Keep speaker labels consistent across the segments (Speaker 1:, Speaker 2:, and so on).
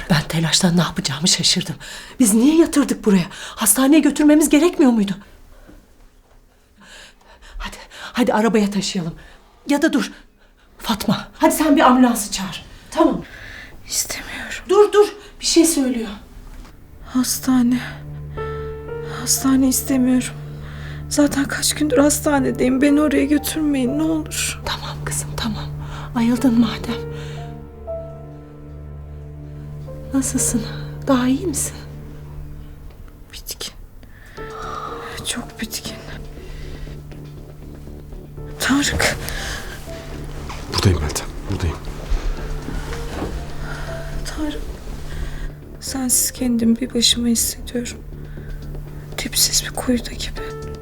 Speaker 1: Ben telaştan ne yapacağımı şaşırdım. Biz niye yatırdık buraya? Hastaneye götürmemiz gerekmiyor muydu? Hadi arabaya taşıyalım. Ya da dur. Fatma, hadi sen bir ambulansı çağır. Tamam.
Speaker 2: İstemiyorum.
Speaker 1: Dur. Bir şey söylüyor.
Speaker 2: Hastane istemiyorum. Zaten kaç gündür hastanedeyim. Beni oraya götürmeyin ne olur.
Speaker 1: Tamam kızım, tamam. Ayıldın madem. Nasılsın? Daha iyi misin?
Speaker 2: Bitkin. Çok bitkin. Tarık.
Speaker 3: Buradayım Meltem, buradayım.
Speaker 2: Tarık. Sensiz kendimi bir başıma hissediyorum. Dipsiz bir kuyuda gibi.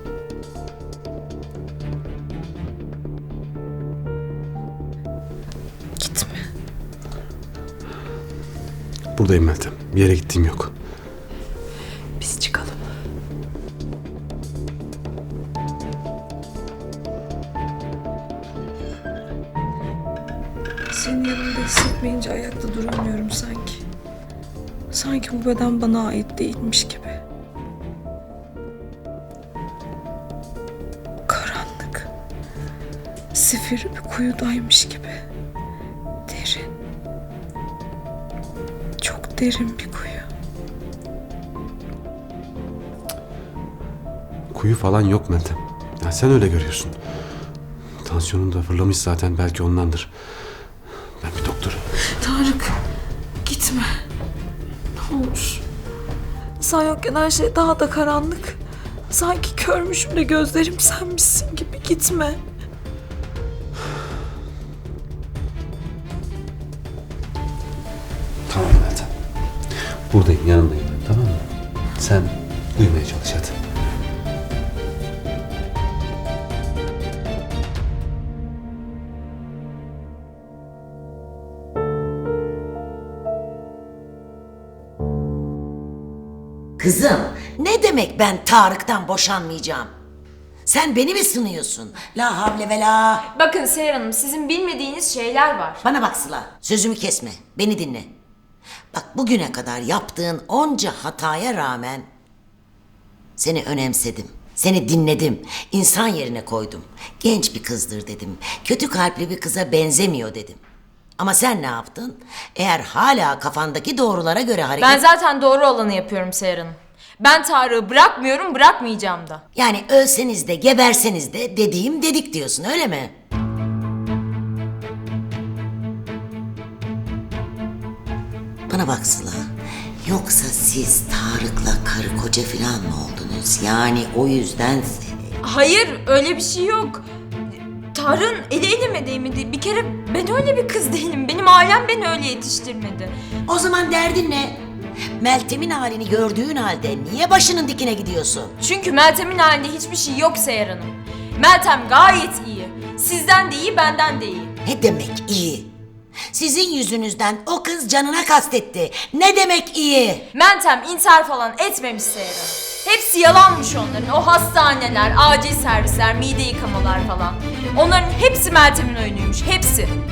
Speaker 2: Gitme.
Speaker 3: Buradayım Meltem. Bir yere gittiğim yok.
Speaker 1: Biz çıkalım.
Speaker 2: Senin yanında hissetmeyince ayakta duramıyorum sanki. Sanki bu beden bana ait değilmiş gibi. Karanlık. Zifiri bir kuyudaymış gibi. Derin. Çok derin bir kuyu.
Speaker 3: Kuyu falan yok Meltem. Ya sen öyle görüyorsun. Tansiyonun da fırlamış zaten, belki ondandır. Ben bir doktorum.
Speaker 2: Tarık, gitme. Ne olur. Sen yokken her şey daha da karanlık. Sanki körmüşüm de gözlerim senmişsin gibi. Gitme.
Speaker 3: Tamam Meltem. Buradayım, yanındayım ben, tamam mı? Sen uyumaya çalış hadi.
Speaker 4: Kızım, ne demek ben Tarık'tan boşanmayacağım? Sen beni mi sınıyorsun? La havle ve la.
Speaker 5: Bakın Seher Hanım, sizin bilmediğiniz şeyler var.
Speaker 4: Bana bak Sıla, sözümü kesme, beni dinle. Bak bugüne kadar yaptığın onca hataya rağmen seni önemsedim. Seni dinledim, insan yerine koydum. Genç bir kızdır dedim, kötü kalpli bir kıza benzemiyor dedim. Ama sen ne yaptın? Eğer hala kafandaki doğrulara göre hareket...
Speaker 5: Ben zaten doğru olanı yapıyorum Seher Hanım. Ben Tarık'ı bırakmıyorum, bırakmayacağım da.
Speaker 4: Yani ölseniz de geberseniz de dediğim dedik diyorsun, öyle mi? Bana bak Sıla. Yoksa siz Tarık'la karı koca falan mı oldunuz? Yani o yüzden...
Speaker 5: Hayır, öyle bir şey yok. Tarık'ın eli elime değmedi. Bir kere ben öyle bir kız değilim. Benim ailem beni öyle yetiştirmedi.
Speaker 4: O zaman derdin ne? Meltem'in halini gördüğün halde niye başının dikine gidiyorsun?
Speaker 5: Çünkü Meltem'in halinde hiçbir şey yok Seher Hanım. Meltem gayet iyi. Sizden de iyi, benden de iyi.
Speaker 4: Ne demek iyi? Sizin yüzünüzden o kız canına kastetti. Ne demek iyi?
Speaker 5: Meltem intihar falan etmemiş Seher Hanım. Hepsi yalanmış onların. O hastaneler, acil servisler, mide yıkamalar falan. Onların hepsi Meltem'in oyunuymuş, hepsi.